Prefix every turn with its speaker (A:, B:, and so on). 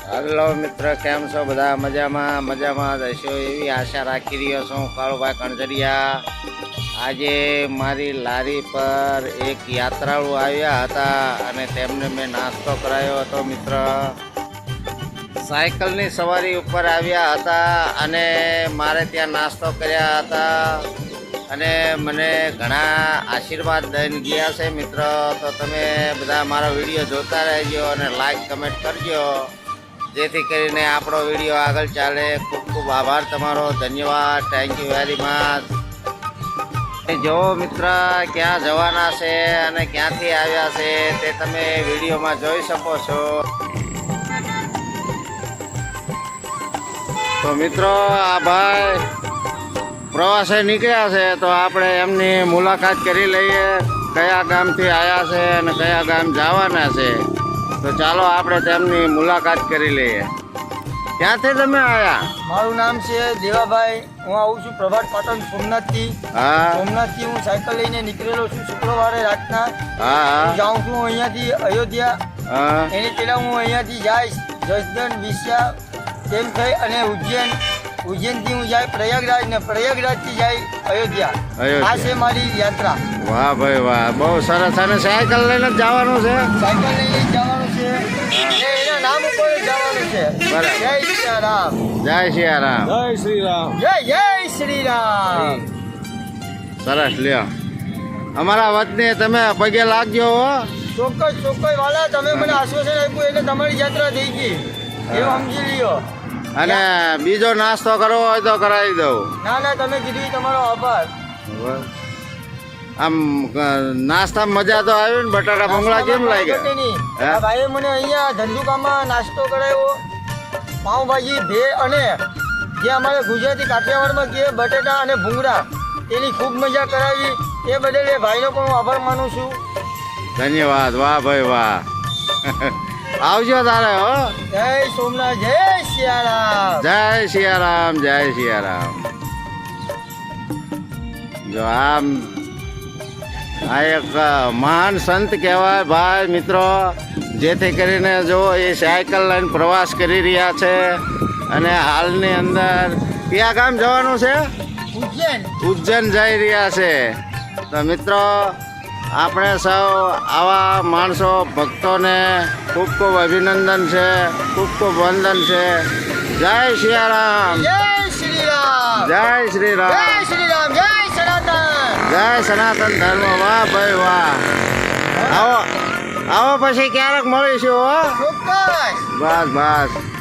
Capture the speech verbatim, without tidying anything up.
A: Hello મિત્ર, કેમ છો? બધા મજામાં મજામાં જ હશો એવી આશા રાખી રહ્યો છું. કાળુભાઈ કણઝરિયા. આજે મારી લારી પર એક યાત્રાળુ આવ્યા હતા અને તેમને મેં નાસ્તો કરાયો હતો. મિત્ર સાયકલની સવારી ઉપર આવ્યા હતા અને મારે ત્યાં નાસ્તો કર્યા હતા અને મને ઘણા આશીર્વાદ દઈને ગયા છે. મિત્ર, તો તમે બધા મારો વિડીયો જોતા રહેજો અને લાઈક કમેન્ટ કરજો, જેથી કરીને આપણો વિડીયો આગળ ચાલે. ખૂબ ખૂબ આભાર તમારો, ધન્યવાદ, થેન્ક યુ વેરી મચ. જો મિત્ર, ક્યાં જવાના છે અને ક્યાંથી આવ્યા છે તે તમે વિડીયોમાં જોઈ શકો છો. તો મિત્રો, આ ભાઈ પ્રવાસે નીકળ્યા છે, તો આપણે એમની મુલાકાત કરી લઈએ. કયા ગામથી આવ્યા છે અને કયા ગામ જવાના છે, તો ચાલો આપણે તેમની મુલાકાત કરી લઈએ. ક્યાંથી તમે આવ્યા?
B: મારું નામ છે દેવાભાઈ. હું આવું છું પ્રભાત પાટણ સોમનાથથી.
A: હા
B: સોમનાથથી હું સાયકલ લઈને નીકળેલો છું શુક્રવારે રાતના.
A: હા હા
B: જાઉં છું અહીંયાથી અયોધ્યા.
A: હા
B: એની પહેલા હું અહીંયાથી જઈશ જસદણ, વિશ્યા તેમ થઈ અને ઉજ્જૈન. ઉજ્જૈનથી હું જાય પ્રયાગરાજ ને પ્રયાગરાજથી જાય અયોધ્યા.
A: અયોધ્યા.
B: આ છે મારી યાત્રા.
A: વાહ ભાઈ વાહ, બહુ સરસ. અને સાયકલ લઈને જ જવાનું છે?
B: સાયકલ લઈને જવાનું છે ને એના નામ ઉપર જ જવાનું છે.
A: બરાબર.
B: જય સિયારામ.
A: જય સિયારામ.
C: જય શ્રી રામ.
B: જય જય શ્રી રામ.
A: સરસ, લ્યો. અમારા વતની તમે પગે લાગજો હો.
B: ચોક્કસ ચોક્કસ વાલા, તમે મને આશ્વાસન આપ્યું એટલે તમારી યાત્રા થઈ ગઈ એવું સમજી લ્યો.
A: અને બીજો નાસ્તો કરવો હોય તો કરાવી દઉં.
B: ના ના, તમે કીધું એ તમારો આભાર.
A: આમ નાસ્તામાં મજા તો આવી ને? બટાટા ભૂંગળા કેમ લાગ્યા?
B: બટેની.
A: હે?
B: આ ભાઈએ મને અહીંયા ધંધુકામાં નાસ્તો કરાવ્યો. પાઉંભાજી, ભેળ અને જે અમારે ગુજરાતી કાઠિયાવાડમાં કહે બટેટા અને ભૂંગળા, એની ખૂબ મજા કરાવી. એ બદલ એ ભાઈનો પણ હું આભાર માનું છું.
A: ધન્યવાદ. વાહ ભાઈ વાહ. આવજો તારે હો.
B: જય સોમનાથ, જય સિયારામ.
A: જય સિયારામ, જય સિયારામ. જો આમ આ એક મહાન સંત કહેવાય ભાઈ મિત્રો, જેથી કરીને જો એ સાયકલ લઈને પ્રવાસ કરી રહ્યા છે અને હાલની અંદર કયા ગામ જવાનું છે?
B: ઉજ્જૈન.
A: ઉજ્જૈન જઈ રહ્યા છે. તો મિત્રો, આપણે સૌ આવા માણસો ભક્તોને ખૂબ ખૂબ અભિનંદન છે, ખૂબ ખૂબ વંદન છે. જય સિયારામ,
B: જય શ્રી રામ.
A: જય શ્રી
B: જય
A: રામ,
B: શ્રી રામ. જય સનાતન.
A: જય સનાતન ધર્મ. વાહ ભાઈ વાહ. આવો આવો પછી ક્યારેક મળીશું હો.
B: ચોક્કસ.
A: બસ બસ.